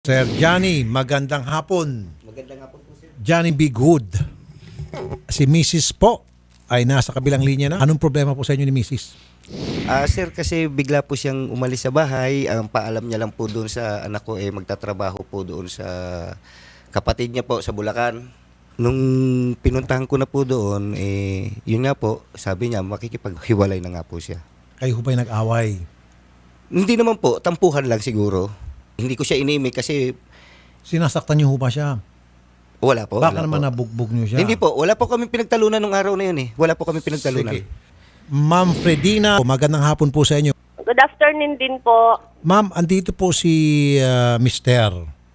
Sir Johnny, magandang hapon. Magandang hapon po, sir. Johnny Be Good. Si Mrs. po ay nasa kabilang linya na. Anong problema po sa inyo ni Mrs.? Sir, kasi bigla po siyang umalis sa bahay. Ang paalam niya lang po doon sa anak ko, magtatrabaho po doon sa kapatid niya po sa Bulacan. Nung pinuntahan ko na po doon, yun nga po, sabi niya, makikipaghiwalay na nga po siya. Kayo ho ba'y nag-away? Hindi naman po, tampuhan lang siguro. Hindi ko siya inimik kasi Sinasaktan niyo ho ba siya? wala po. Baka wala naman po. nabugbog niyo siya. Hindi po, wala po kami pinagtalunan nung araw na yun eh. Wala po kami pinagtalunan. Sige. Ma'am Fredina, magandang hapon po sa inyo. Good afternoon din po. Ma'am, andito po si Mister.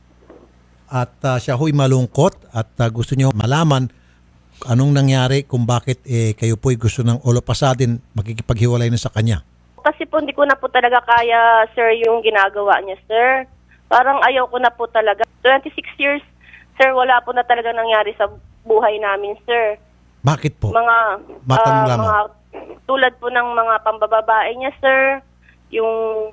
At siya ho'y malungkot at gusto niyo malaman anong nangyari kung bakit kayo po'y gusto ng all of a sudden makikipaghiwalay na sa kanya. Kasi po hindi ko na po talaga kaya, sir, yung ginagawa niya, sir. Parang ayaw ko na po talaga. 26 years, sir, wala po na talaga nangyari sa buhay namin, sir. Bakit po? Mga, Matanong lamang. mga tulad po ng mga pambababae niya, sir. Yung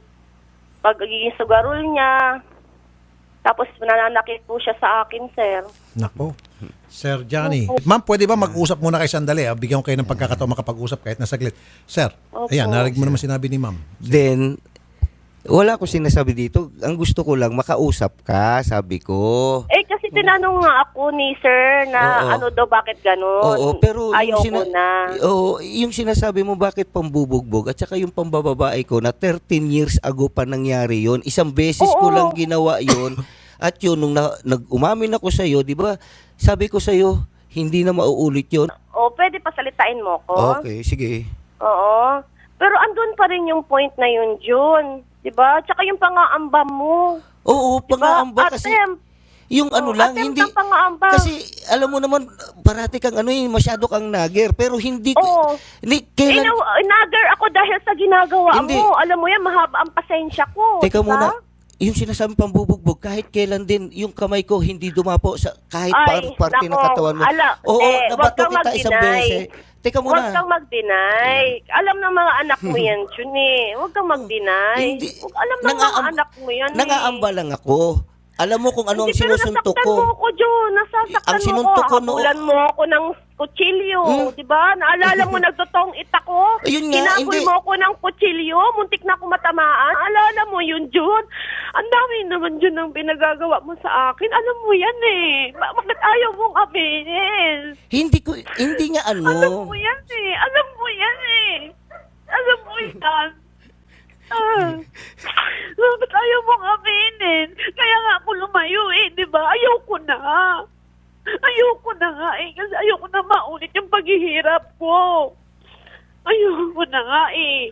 pagiging sugarol niya. Tapos nananakit po siya sa akin, sir. Nako. Sir Johnny. Ma'am, pwede ba mag-usap muna kayo sandali? Bigyan ko kayo ng pagkakataon makapag-usap kahit na saglit. Sir, Opo. ayan, narinig mo naman sinabi ni ma'am. Then, wala ko sinasabi dito. Ang gusto ko lang, makausap ka, sabi ko. Kasi tinanong nga ako ni sir na Oo. ano daw, bakit ganun. Oo, pero ayaw yung, ko na. Oo, yung sinasabi mo bakit pambubugbog at saka yung pambababae ko na 13 years ago pa nangyari yon. Isang beses ko Oo. lang ginawa yon. At yun, nung nag-umamin ako sa'yo, di ba, sabi ko sa'yo, hindi na mauulit yon. O, pwede pasalitain mo ko? Okay, sige. Oo. Pero andun pa rin yung point na yun, June. Diba? Tsaka yung pangaamba mo. Oo, Diba? pangaamba kasi... Attempt. Yung ano lang, attempt hindi... ng pangaamba. Kasi, alam mo naman, parati kang masyado kang nagger. Pero hindi... Oo. Kailan... Inagar ako dahil sa ginagawa Hindi. mo. Alam mo yan, mahaba ang pasensya ko. Teka diba? muna, yung sinasabi pang bubugbog, kahit kailan din, yung kamay ko hindi dumapo sa kahit Ay, parte ng nako, katawan mo. Oo, wag nabato kang kita isang mag-deny. beses. Teka Huwag muna. kang mag-deny. Alam ng mga anak mo yan, June eh. Huwag kang mag-deny. Hindi. Alam ng mga anak mo yan Nangaamba lang ako. Alam mo kung ano ang Hindi, pero sinusuntok nasaktan ko. mo ako, June. Nasasaktan Ang mo sinuntok ako. ko no- Habulan mo ako ng kutsilyo. Di ba? Naalala mo, nagtotong it ako. Ayun nga, Kinaboy hindi. mo ako ng kutsilyo. Muntik na ako matamaan. Alala mo yun, June. Ang dami naman, June, ang pinagagawa mo sa akin. Alam mo yan eh. Bakit ayaw mong aminin? Hindi nga Alam mo yan eh. Alam mo yan eh. Alam mo yan. Bakit ayaw mong aminin? Kaya nga ako lumayo eh, di ba? Ayaw ko na. Ayaw ko na nga eh. Kasi ayaw ko na maulit yung paghihirap ko. Ayaw ko na nga eh.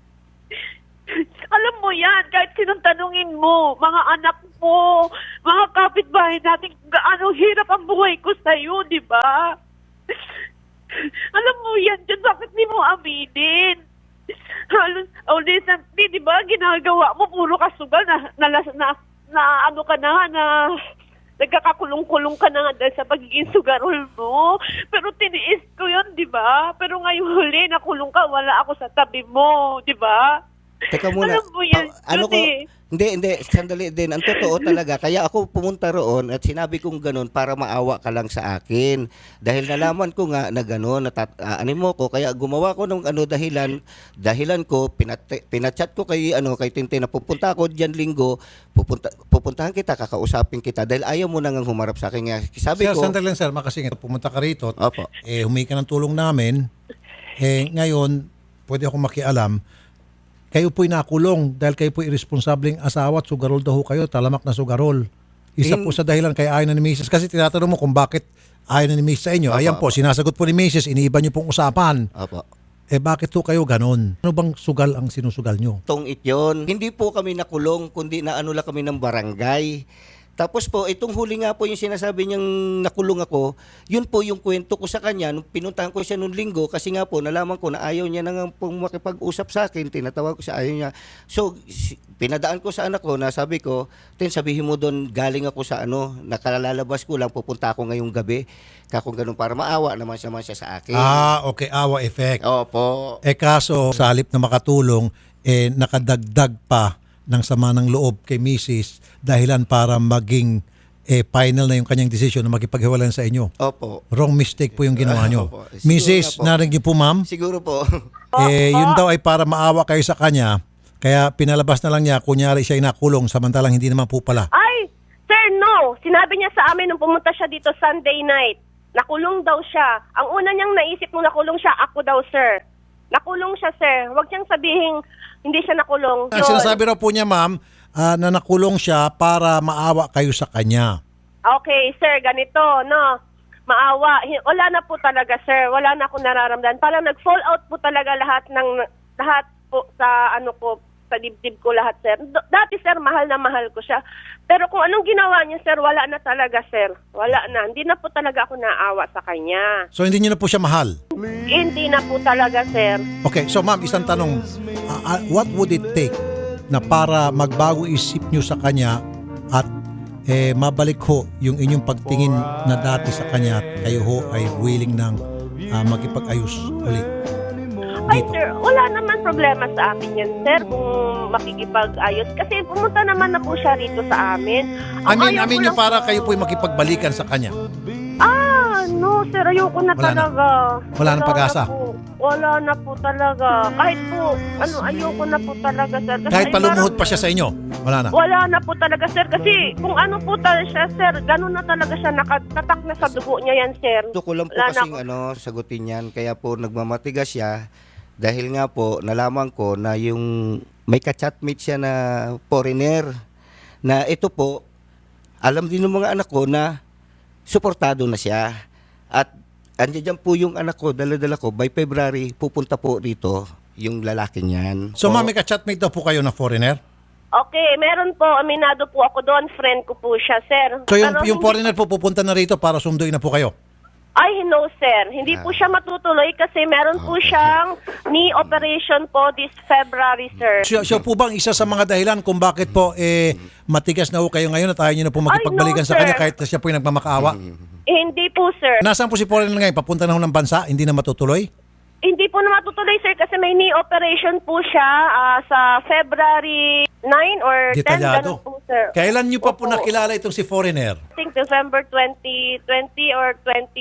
Alam mo yan, kahit sinong tanungin mo, mga anak mo, mga kapitbahay natin, gaano hirap ang buhay ko sa'yo, di ba? Alam mo yan, dyan, bakit di mo aminin? Halos, di ba, ginagawa mo, puro kasugal na ano ka na, nagkakakulong-kulong ka na nga dahil sa pagiging sugarol mo. Pero tiniis ko yun, di ba? Pero ngayong huli, nakulong ka, wala ako sa tabi mo, di ba? Teka muna. Alam mo yan, Hindi, sandali din. Ang totoo talaga, kaya ako pumunta roon at sinabi kong ganun para maawa ka lang sa akin. Dahil nalaman ko nga na ganun, ano mo ko, kaya gumawa ko ng dahilan ko, pinachat ko kay Tintin na pupunta ako diyan linggo, pupuntahan kita, kakausapin kita dahil ayaw mo nang humarap sa akin. Nga, sabi Sir, ko, sandali lang sir, makasingit. Pumunta ka rito, Opo. humingi ka ng tulong namin. Ngayon, pwede akong makialam, kayo po'y nakulong dahil kayo po'y irresponsableng asawa at sugarol daw ho kayo, talamak na sugarol. Isa po sa dahilan kay ayaw na ni Mrs. Kasi tinatanong mo kung bakit ayaw na ni Mrs. sa inyo. Ayan po, sinasagot po ni Mrs. Iniiba niyo pong usapan. Opo. Bakit po kayo ganon? Ano bang sugal ang sinusugal nyo? Tong yun. Hindi po kami nakulong, kundi naano lang kami ng barangay. Tapos po, itong huli nga po yung sinasabi niyang nakulong ako, yun po yung kwento ko sa kanya. Nung pinuntahan ko siya nung linggo, kasi nga po, nalaman ko na ayaw niya nang pong makipag-usap sa akin, tinatawag ko siya, ayaw niya. So, pinadaan ko sa anak ko na sabi ko, sabihin mo doon, galing ako sa nakalalabas ko lang, pupunta ako ngayong gabi. Kung ganun, para maawa naman siya sa akin. Okay, awa effect. Opo. Kaso, sa halip na makatulong, nakadagdag pa ng sama ng loob kay Mrs. dahilan para maging final na yung kanyang desisyon na makipaghiwalayan sa inyo. Opo. Wrong mistake po yung ginawa nyo. Opo. Siguro Mrs., nga po. narinig niyo po ma'am? Siguro po. Yun daw ay para maawa kayo sa kanya. Kaya pinalabas na lang niya, kunyari siya ay nakulong, samantalang hindi naman po pala. Ay, sir, no. Sinabi niya sa amin nung pumunta siya dito Sunday night. Nakulong daw siya. Ang una niyang naisip nung nakulong siya, ako daw, sir. Nakulong siya, sir. Huwag siyang sabihin hindi siya nakulong. Ang sinasabi raw po niya ma'am, na nakulong siya para maawa kayo sa kanya. Okay, sir, ganito, no. Maawa. Wala na po talaga, sir. Wala na akong nararamdaman. Parang nag-fall out po talaga lahat po sa sa dibdib ko lahat, sir. Dati, sir, mahal na mahal ko siya. Pero kung anong ginawa niya, sir, wala na talaga, sir. Wala na. Hindi na po talaga ako naawa sa kanya. So hindi niyo na po siya mahal? Hindi na po talaga, sir. Okay, so ma'am, isang tanong. What would it take na para magbago isip niyo sa kanya at mabalik ho yung inyong pagtingin na dati sa kanya at kayo ho ay willing ng makipag-ayos ulit? Ay, sir, wala naman problema sa amin yan, sir, kung makikipag-ayos. Kasi pumunta naman na po siya rito sa amin. Amin niyo para kayo po ay makipagbalikan sa kanya. No, sir, ayoko na Wala na. talaga. Wala nang pag-asa? Wala na po talaga. Kahit po, ayoko na po talaga, sir. Kasi Kahit palumuhod parang- pa siya sa inyo? Wala na? Wala na po talaga, sir. Kasi kung ano po talaga siya, sir, ganun na talaga siya, nakatatak na sa dugo niya yan, sir. Gusto ko lang po Wala na kasing sagutin yan. Kaya po nagmamatigas siya. Dahil nga po, nalaman ko na yung may ka-chatmate siya na foreigner. Na ito po, alam din ng mga anak ko na suportado na siya. At andiyan po yung anak ko, dala-dala ko, by February, pupunta po rito yung lalaking yan. So ma'am, may ka-chatmate daw po kayo na foreigner? Okay, meron po, aminado po ako doon, friend ko po siya, sir. So yung Pero hindi- foreigner po pupunta na rito para sunduin na po kayo? Ay, no, sir. Hindi po siya matutuloy kasi meron po siyang knee operation po this February, sir. Siya po bang isa sa mga dahilan kung bakit po matigas na ho kayo ngayon at ayaw niyo na po makipagbalikan sa sir. kanya kahit na siya po yung nagmamakaawa? Hindi po, sir. Nasaan po si foreigner ngayon? Papunta na ho ng bansa? Hindi na matutuloy? Hindi po na matutuloy, sir, kasi may knee operation po siya sa February 9 or 10. Detalyado. Ganun po, sir. Kailan niyo pa po Opo. nakilala itong si foreigner? I think December 2020 or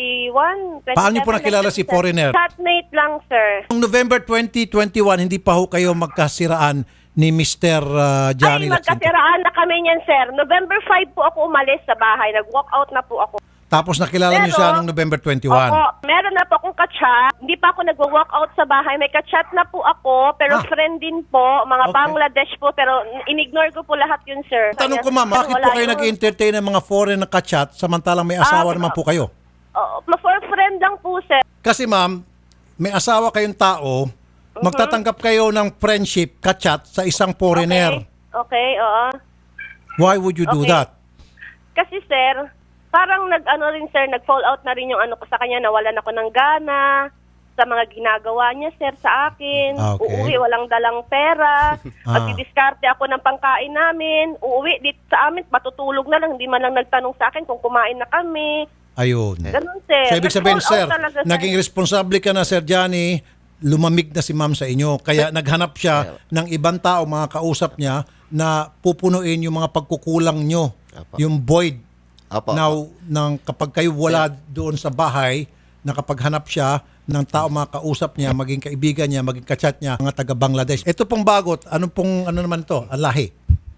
21. Paano niyo po nakilala si foreigner? Chatmate lang, sir. Noong November 2021, hindi pa ho kayo magkasiraan ni Mr. Johnny Ay, Lacsinto. magkasiraan na kami niyan, sir. November 5 po ako umalis sa bahay. Nag-walk out na po ako. Tapos nakilala niyo siya noong November 21. Opo, meron na po akong ka-chat. Hindi pa ako nag-walk out sa bahay. May ka-chat na po ako, pero friend din po, mga Okay. Bangladesh po, pero in-ignore ko po lahat yun, sir. Tanong ko ma'am, Sir, bakit wala po kayo yun. nag-entertain ng mga foreign na ka-chat samantalang may asawa naman po kayo? For friend lang po, sir. Kasi ma'am, may asawa kayong tao, magtatanggap kayo ng friendship, ka-chat sa isang foreigner. Okay, oo. Why would you do Okay. that? Kasi, sir, parang nag-fall out na rin yung ko sa kanya, nawalan ako ng gana sa mga ginagawa niya, sir, sa akin. Okay. Uuwi, walang dalang pera. Magdidiskarte ako ng pangkain namin. Uuwi dito sa amin, matutulog na lang. Hindi man lang nagtanong sa akin kung kumain na kami. Ayun. Ganun, sir. So ibig sabihin, Nag-fall sir, out talaga, sir. naging responsable ka na, Sir Johnny, lumamig na si ma'am sa inyo. Kaya naghanap siya ng ibang tao, mga kausap niya, na pupunuin yung mga pagkukulang nyo. Apo. Yung void. Apo. Now, kapag kayo wala doon sa bahay, nakapaghanap siya ng tao, mga kausap niya, maging kaibigan niya, maging kachat niya, mga taga Bangladesh. Ito pong bagot, ano naman to? Alahi.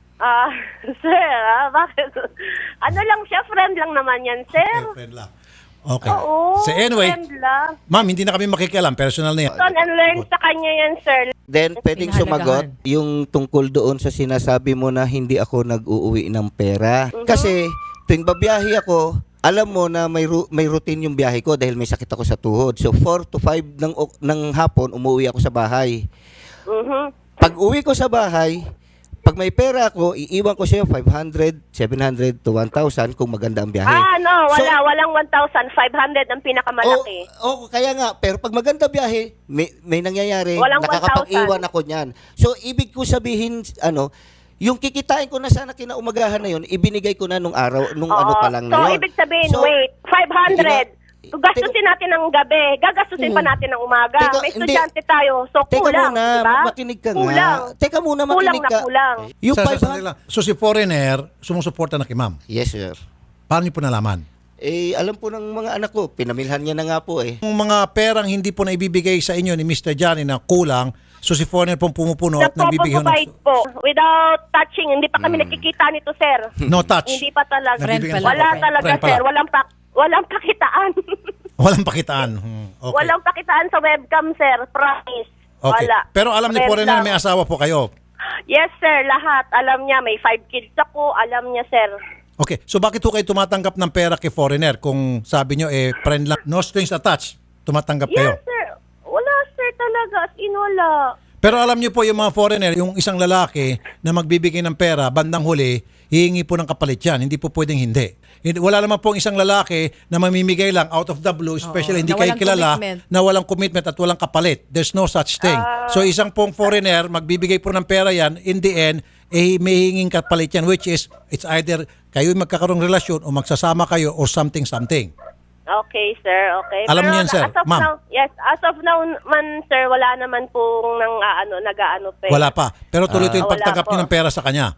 Sir, bakit? Ano lang siya, friend lang naman yan, sir. Friend lang. Okay. Oo, So anyway, friend lang. ma'am, hindi na kami makikialam. Personal na yan. Learn and learn sa kanya yan, sir. Then, pwedeng sumagot yung tungkol doon sa sinasabi mo na hindi ako nag-uuwi ng pera. Kasi, tuwing babiyahe ako, alam mo na may routine yung biyahe ko dahil may sakit ako sa tuhod. So, 4 to 5 ng hapon, umuwi ako sa bahay. Pag uwi ko sa bahay, pag may pera ako, iiwan ko sa'yo 500, 700 to 1,000 kung maganda ang biyahe. No, So, walang 1,500 ang pinakamalaki. kaya nga, pero pag maganda biyahe, may nangyayari, Walang nakakapag-iwan ako niyan. So, ibig ko sabihin, yung kikitain ko na sana kinaumagahan na yun, ibinigay ko na nung araw, nung Oo. ano pa lang So, na yun. ibig sabihin, So, wait, 500. Gastusin natin ng gabi, gagastusin pa natin ng umaga. Teka, May hindi. estudyante tayo, so Teka kulang, muna, diba? makinig ka Kulang. nga. Teka muna, Kulang makinig na ka. kulang. Yung Sir, 500 sandali lang. So si foreigner, sumusuporta na kay ma'am. Yes, sir. Paano niyo po nalaman? Alam po ng mga anak ko, pinamilhan niya na nga po eh. Yung mga perang hindi po na ibibigay sa inyo ni Mr. Johnny na kulang, so si foreigner pong pumupuno at nagbibigay Nagpo-provide po, without touching, hindi pa kami nakikita nito, sir. no touch. Hindi pa talaga. Nagbibigay Friend ng- Wala Friend talaga, pala. sir. Walang pakitaan. Walang pakitaan. Okay. Walang pakitaan sa webcam, sir. Promise. Okay. Wala. Pero alam ni Friend foreigner lang. may asawa po kayo. Yes, sir. Lahat. Alam niya. May 5 kids ako. Alam niya, sir. Okay. So bakit po kayo tumatanggap ng pera kay foreigner kung sabi nyo friend lang, no strings attached, tumatanggap kayo? Yes, sir. Wala, sir, talaga. As in, wala. Pero alam niyo po yung mga foreigner, yung isang lalaki na magbibigay ng pera, bandang huli, hihingi po ng kapalit yan. Hindi po pwedeng hindi. Wala naman pong isang lalaki na mamimigay lang out of the blue, especially hindi na kayo walang kilala, commitment. na walang commitment at walang kapalit. There's no such thing. So isang pong foreigner, magbibigay po ng pera yan, in the end, may hinging kapalit yan, which is, it's either kayo magkakaroong relasyon o magsasama kayo or something. Okay, sir. Okay. Alam Pero niyo yan, sir. as of Ma'am. now, yes, as of now man, sir, wala naman pong nag-aano pa. Wala pa. Pero tuloy-tuloy yung Wala pagtanggap po. niyo ng pera sa kanya.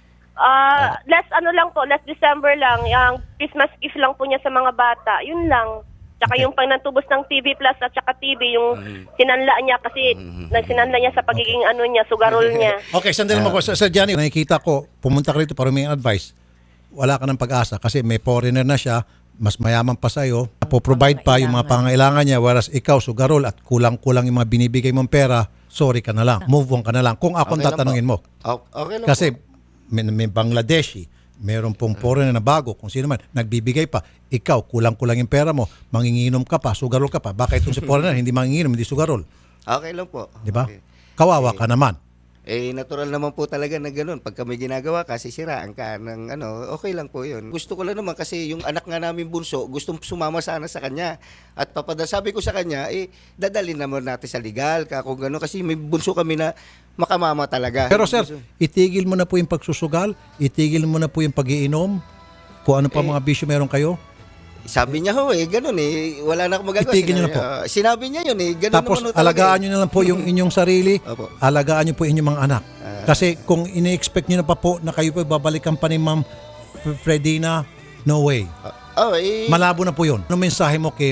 Last December lang, yung Christmas gift lang po niya sa mga bata. Yun lang. Tsaka Okay. yung pangtubos ng TV Plus at tsaka TV, yung sinanla niya kasi nagsinanla niya sa pagiging niya, sugarol niya. Okay, sandali mo ko. Sir Johnny, nakikita ko, pumunta ka rito para humingi advice. Wala ka ng pag-asa kasi may foreigner na siya, mas mayaman pa sa'yo, po-provide pa yung mga pangangailangan niya, whereas ikaw, sugarol at kulang-kulang yung mga binibigay mong pera, sorry ka na lang, move on ka na lang. Kung ako Okay lang tatanungin po. mo. Okay lang Kasi po. may Bangladeshi, meron pong foreigner na bago, kung sino man, nagbibigay pa. Ikaw, kulang-kulang yung pera mo, manginginom ka pa, sugarol ka pa. Baka itong si foreigner, hindi manginginom, hindi sugarol. Okay lang po. Di ba? Okay. Kawawa ka naman. Natural naman po talaga na ganun. Pag kami ginagawa kasi siraan ka ng okay lang po yun. Gusto ko lang naman kasi yung anak nga namin bunso, gustong sumama sana sa kanya. At sabi ko sa kanya, dadalhin naman natin sa legal ka kung gano'n. Kasi may bunso kami na makamama talaga. Pero sir, itigil mo na po yung pagsusugal, itigil mo na po yung pag-iinom, kung ano pa mga bisyo meron kayo. Sabi niya ganun wala na akong magagawa. Itigil niyo na po. Sinabi niya yun ganun Tapos naman talaga, alagaan nyo na lang po yung inyong sarili, Opo. alagaan nyo po inyong mga anak. Kasi kung ini-expect nyo na pa po na kayo po babalikan pa ni Ma'am Fredina, no way. Malabo na po yun. Anong mensahe mo kay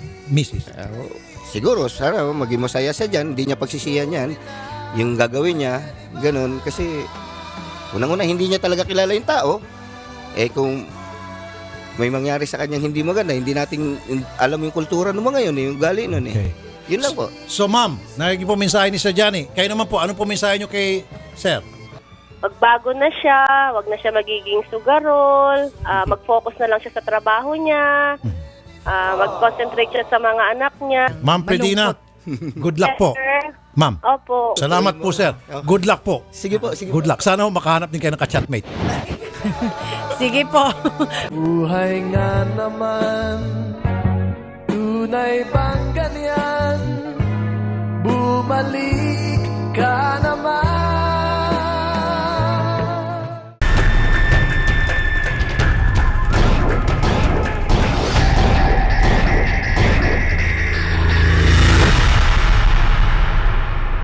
Mrs.? Siguro, sana maging masaya siya dyan. Hindi niya pagsisiyan yan. Yung gagawin niya, ganun. Kasi, unang-una, hindi niya talaga kilala yung tao. Kung may mangyari sa kanyang hindi maganda, hindi natin alam yung kultura ng mga yun, yung gali nun Okay. Yun lang po. So ma'am, narinig po mensahe ni Sir Johnny. Kayo naman po, ano po mensahe nyo kay Sir? Magbago na siya, wag na siya magiging sugarol, mag-focus na lang siya sa trabaho niya, mag-concentrate siya sa mga anak niya. Ma'am Fredina, good luck po. Sir, Ma'am, opo. salamat po sir. Good luck po. Sige po, sige Good luck. Sana ho makahanap din kayo ng ka-chatmate. Sige po. Buhay nga naman, tunay bang ganyan? Bumalik